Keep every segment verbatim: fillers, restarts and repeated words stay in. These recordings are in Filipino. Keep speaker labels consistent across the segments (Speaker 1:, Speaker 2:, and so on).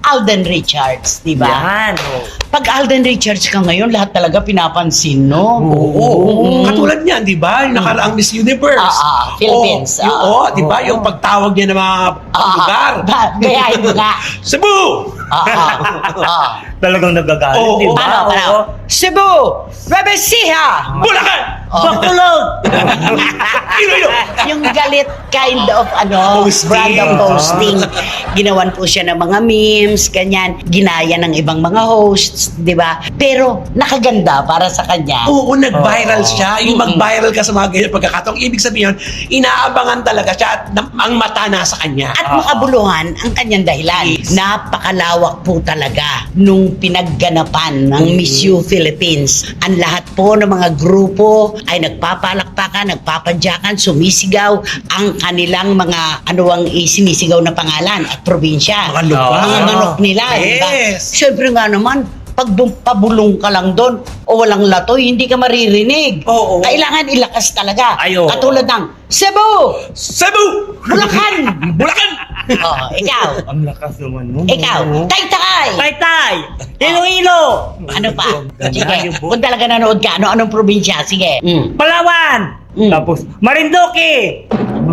Speaker 1: Alden Richards, di ba?
Speaker 2: Yan. Oh.
Speaker 1: Pag Alden Richards ka ngayon, lahat talaga pinapansin, no?
Speaker 3: Oo, oo, oo. Katulad niyan, di ba? Yung nakaraang Miss Universe.
Speaker 1: Ah, ah, Philippines,
Speaker 3: Oo, yung,
Speaker 1: ah.
Speaker 3: oo, di ba? Yung pagtawag niya ng mga
Speaker 1: Ah,
Speaker 3: lugar.
Speaker 1: ba- gayahin mo nga.
Speaker 3: Cebu!
Speaker 1: Ah, ah, ah.
Speaker 2: Talagang nagagalit,
Speaker 3: Oo,
Speaker 2: di ba?
Speaker 1: Paano, paano?
Speaker 2: Oo.
Speaker 1: Cebu! Nueva Ecija!
Speaker 3: Bulacan!
Speaker 2: Bakulog!
Speaker 3: Iloilo!
Speaker 1: Yung galit kind of ano,
Speaker 3: Posting.
Speaker 1: brand of posting. Ginawan po siya ng mga memes, ganyan. Ginaya ng ibang mga hosts, di ba? Pero nakaganda para sa kanya.
Speaker 3: Oo, nag-viral
Speaker 2: Oo.
Speaker 3: siya. Yung
Speaker 1: Mm-mm.
Speaker 3: mag-viral ka sa mga ganyan pagkakataong, ibig sabihin, inaabangan talaga siya at na- ang mata nasa kanya.
Speaker 1: At makabuluhan ang kanyang dahilan.
Speaker 3: Yes.
Speaker 1: Napakalawak po talaga nung pinagganapan ng Miss U Philippines. Ang lahat po ng mga grupo ay nagpapalakpakan, nagpapadyakan, sumisigaw ang kanilang mga ano ang isinisigaw na pangalan at probinsya.
Speaker 3: Mga lugar.
Speaker 1: Mga manok nila, di ba?
Speaker 3: Yes.
Speaker 1: Siyempre nga naman, pag bum- pabulong ka lang doon o walang latoy, hindi ka maririnig.
Speaker 3: Oo.
Speaker 1: Kailangan ilakas talaga.
Speaker 2: Ay, oo.
Speaker 1: Katulad ng Cebu!
Speaker 3: Cebu!
Speaker 1: Bulacan!
Speaker 3: Bulacan!
Speaker 1: Oh, ikaw.
Speaker 2: Ang lakas naman nun.
Speaker 1: Ikaw. Taytay!
Speaker 2: Taytay! Iloilo!
Speaker 1: Ano pa? Sige,
Speaker 2: Ganda.
Speaker 1: kung talaga nanood ka, ano anong probinsya? Sige. Mm.
Speaker 2: Palawan!
Speaker 1: Mm.
Speaker 2: Tapos, Marinduque!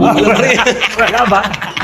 Speaker 2: Wala ba?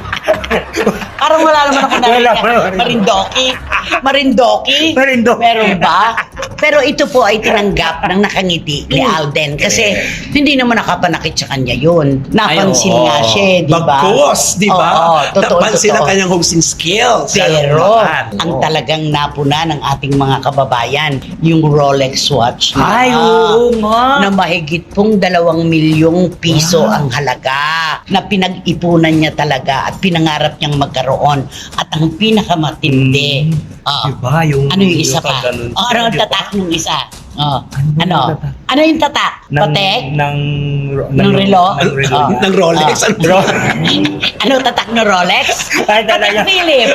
Speaker 1: Parang wala naman ako
Speaker 2: Wala,
Speaker 1: narinig.
Speaker 2: wala, wala.
Speaker 1: Marindoki? Marindoki?
Speaker 2: Marindoki.
Speaker 1: Meron ba? Pero ito po ay tinanggap ng nakangiti ni Alden kasi hindi naman nakapanakit sa kanya yun. Napansin
Speaker 2: Ay, oo.
Speaker 1: nga siya, eh, di ba?
Speaker 3: Bagkos, di ba?
Speaker 1: Oo, totoo,
Speaker 3: Napansin ang
Speaker 1: totoo.
Speaker 3: kanyang hosting skills.
Speaker 1: Pero
Speaker 3: Naman.
Speaker 1: ang
Speaker 2: Oo.
Speaker 1: talagang napuna ng ating mga kababayan, yung Rolex watch na,
Speaker 2: Ay, oo nga.
Speaker 1: na mahigit pong dalawang milyong piso ang halaga na pinag-ipunan niya talaga at pinangarap niyang magkaroon. At ang pinakamatindi, ah,
Speaker 2: Diba? Yung,
Speaker 1: ano yung isa pa?
Speaker 2: ganun
Speaker 1: Oh,
Speaker 2: siya,
Speaker 1: ano ang
Speaker 2: diba?
Speaker 1: tatak nung isa? Oh,
Speaker 2: Ano
Speaker 1: ano?
Speaker 2: yung tatak?
Speaker 1: Ano yung tatak?
Speaker 2: Ng,
Speaker 1: Patek?
Speaker 2: ng,
Speaker 1: Ng relo?
Speaker 2: Ng relo.
Speaker 1: Oh.
Speaker 3: Ng Rolex.
Speaker 1: Ah.
Speaker 3: Ano?
Speaker 1: Ano tatak ng Rolex?
Speaker 2: Ay,
Speaker 1: Patek
Speaker 2: talaga.
Speaker 1: Philip.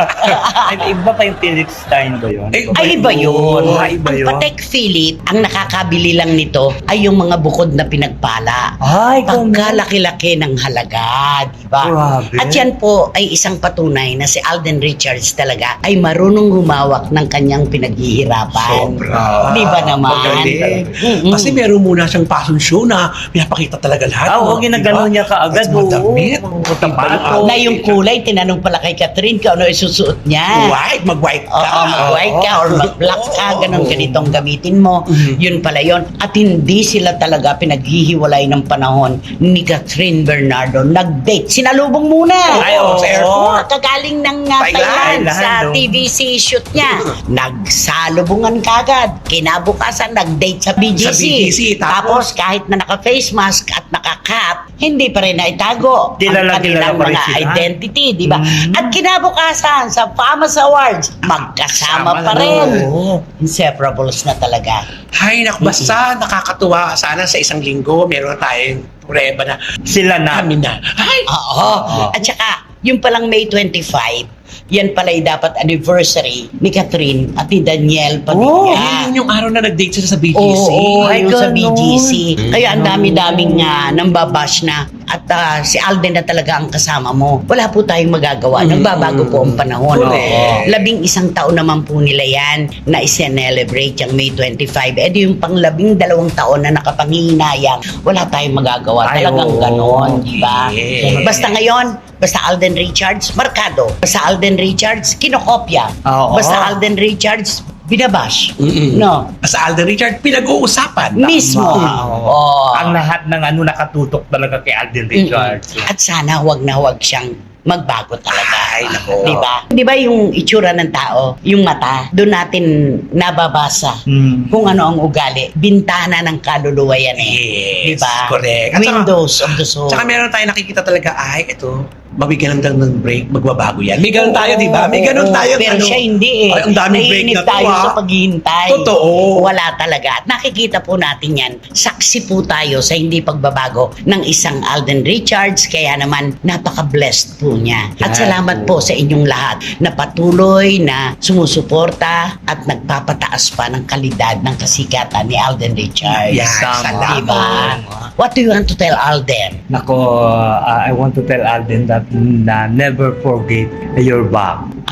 Speaker 2: Ay, iba pa yung Felix Stein ba yun?
Speaker 3: Ay,
Speaker 1: Ay, iba yun.
Speaker 2: Ah, iba
Speaker 1: Ang
Speaker 2: yun.
Speaker 1: Patek Philip, ang nakakabili lang nito ay yung mga bukod na pinagpala.
Speaker 2: Ay, kung
Speaker 1: Pagkalaki-laki ng halaga, di ba?
Speaker 2: Grabe.
Speaker 1: At yan po ay isang patunay na si Alden Richards talaga ay marunong humawak ng kanyang pinaghihirapan.
Speaker 3: Sobra.
Speaker 1: Di ba naman?
Speaker 3: Magaling.
Speaker 1: Mm-mm.
Speaker 3: Kasi meron muna siyang fashion show na pinapakita talaga lahat.
Speaker 2: Ah, oo,
Speaker 3: Di
Speaker 2: ginagano
Speaker 3: ba?
Speaker 2: niya kaagad.
Speaker 3: At madamit.
Speaker 2: Oo.
Speaker 3: Diba?
Speaker 2: Sapatos.
Speaker 1: Na yung kulay, tinanong pala kay Catherine kung ano isusuot niya.
Speaker 3: White, mag-white ka.
Speaker 1: Oo, mag-white ka or mag-black ka, ganun ganitong gamitin mo.
Speaker 3: Mhm.
Speaker 1: Yun pala yun. At hindi sila talaga pinaghihiwalay ng panahon ni Catherine Bernardo. Nag-date. Sinalubong muna.
Speaker 3: Ay, oo, sa airport.
Speaker 1: Kagaling ng uh,
Speaker 3: Thailand.
Speaker 1: Thailand, sa
Speaker 2: Thailand, no?
Speaker 1: T V C shoot niya. Nagsalubungan kagad. Kinabukasan, nag-date sa B G C.
Speaker 3: Sa B G C,
Speaker 1: Tapos,
Speaker 3: tapos-
Speaker 1: kahit na naka-face mask at naka-cap, hindi pa rin naitago
Speaker 2: Kilala-
Speaker 1: ang kanilang
Speaker 2: kilala pa rin
Speaker 1: mga
Speaker 2: sila.
Speaker 1: identity, di ba?
Speaker 2: Mm.
Speaker 1: At kinabukasan sa Famas Awards, magkasama
Speaker 3: Sama
Speaker 1: pa
Speaker 3: na,
Speaker 1: rin.
Speaker 3: oo.
Speaker 1: Inseparables na talaga.
Speaker 3: Hay, nak, basta nakakatuwa. Sana sa isang linggo, meron tayong prueba na
Speaker 2: Sila na.
Speaker 3: kami na. Ay!
Speaker 1: Oo. At saka, yung palang May twenty-five, yan pala'y dapat anniversary ni Catherine at ni Daniel
Speaker 3: Oh,
Speaker 1: Padilla.
Speaker 3: yun yung araw na nag-date sila sa B G C.
Speaker 1: Oo, oo,
Speaker 2: Ay,
Speaker 1: yung sa
Speaker 2: ganun.
Speaker 1: B G C. Kaya ang dami-daming uh, nambabash na at ah, si Alden na talaga ang kasama mo. Wala po tayong magagawa. Nagbabago po ang panahon.
Speaker 3: Correct.
Speaker 1: Labing isang taon naman po nila yan na i-celebrate yung May twenty-five. Eh di yung pang labing dalawang taon na nakapanghihinayang, wala tayong magagawa.
Speaker 2: Ay,
Speaker 1: Talagang
Speaker 2: oo.
Speaker 1: ganon, di ba?
Speaker 3: Yes.
Speaker 1: Basta ngayon, basta Alden Richards, markado. Basta Alden Richards, kinokopya.
Speaker 2: Oo.
Speaker 1: Basta Alden Richards, binabash.
Speaker 3: Mm-mm.
Speaker 1: No?
Speaker 3: Sa Alden Richard, pinag-uusapan.
Speaker 1: Mismo.
Speaker 2: Oo.
Speaker 1: Oo.
Speaker 2: Ang lahat ng ano nakatutok talaga kay Alden Richards.
Speaker 1: Mm-mm. At sana wag na wag siyang magbago talaga.
Speaker 3: Ay, nako.
Speaker 1: Di ba? Di ba yung itsura ng tao, yung mata, doon natin nababasa
Speaker 2: Hmm.
Speaker 1: kung ano ang ugali. Bintana ng kaluluwa yan eh.
Speaker 3: Yes,
Speaker 1: Di ba?
Speaker 3: correct. At saka-
Speaker 1: Windows of the soul.
Speaker 3: Tsaka meron tayo nakikita talaga, ay, ito, mabigyan lang ng break, magbabago yan. May ganun tayo, di ba? May ganun
Speaker 1: Oo,
Speaker 3: tayo.
Speaker 1: Pero
Speaker 3: ano,
Speaker 1: siya hindi eh.
Speaker 3: Ay, ang daming break
Speaker 1: Naiinip
Speaker 3: na to,
Speaker 1: tayo
Speaker 3: ah.
Speaker 1: sa paghihintay.
Speaker 3: Totoo.
Speaker 1: Wala talaga. At nakikita po natin yan. Saksi po tayo sa hindi pagbabago ng isang Alden Richards. Kaya naman, napaka-blessed po niya. At
Speaker 2: Yan
Speaker 1: salamat
Speaker 2: po.
Speaker 1: po sa inyong lahat na patuloy na sumusuporta at nagpapataas pa ng kalidad ng kasikatan ni Alden Richards.
Speaker 3: Yan,
Speaker 2: Tama.
Speaker 3: salamat.
Speaker 1: Diba? What do you want to tell Alden?
Speaker 2: Nako, uh, I want to tell Alden that na never forget your back.
Speaker 1: Ay,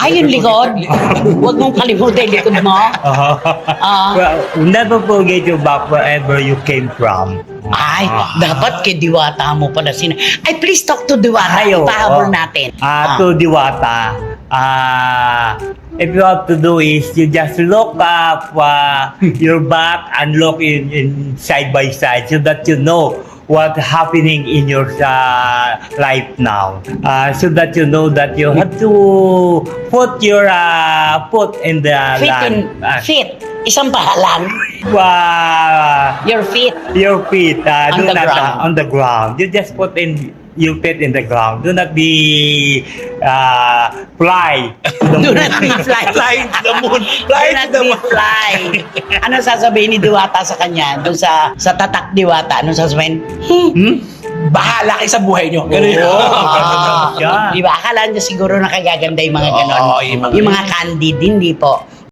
Speaker 1: Ay, yung likod. Huwag mong kalimutan yung likod mo. Ah.
Speaker 2: Well, never forget your back wherever you came from.
Speaker 1: Ay, dapat kay Diwata mo pala sina. Ay, please talk to Diwata.
Speaker 2: Ayo,
Speaker 1: Ipahabol
Speaker 2: oh.
Speaker 1: natin.
Speaker 2: Ah, to Diwata, ah, if you have to do is you just look up uh, your back and look in, in side by side so that you know what happening in your uh, life now. Uh, so that you know that you have to put your uh, foot in the
Speaker 1: Fit
Speaker 2: land.
Speaker 1: in,
Speaker 2: Uh,
Speaker 1: fit. Isang pahalan.
Speaker 2: uh,
Speaker 1: Your feet.
Speaker 2: your feet uh,
Speaker 1: On
Speaker 2: do
Speaker 1: the
Speaker 2: not
Speaker 1: ground.
Speaker 2: uh, on the ground. You just put in your feet in the ground. Do not be uh, fly. to the
Speaker 1: Do
Speaker 2: moon.
Speaker 1: not be fly.
Speaker 3: Flying to the moon.
Speaker 1: Do
Speaker 3: Flying
Speaker 1: not
Speaker 3: to the
Speaker 1: be
Speaker 3: moon.
Speaker 1: fly. Ano sasabihin ni Diwata sa kanya? Doon sa sa tatak Diwata, ano sasabihin?
Speaker 2: Hmm?
Speaker 3: Bahala kayo sa buhay nyo. Ganun yun.
Speaker 2: Oo.
Speaker 1: Ah,
Speaker 2: Ganun siya.
Speaker 1: di ba? Akala niya siguro nakagaganda yung mga ganon.
Speaker 3: Oo, yung mga-
Speaker 1: yung mga candid, hindi po.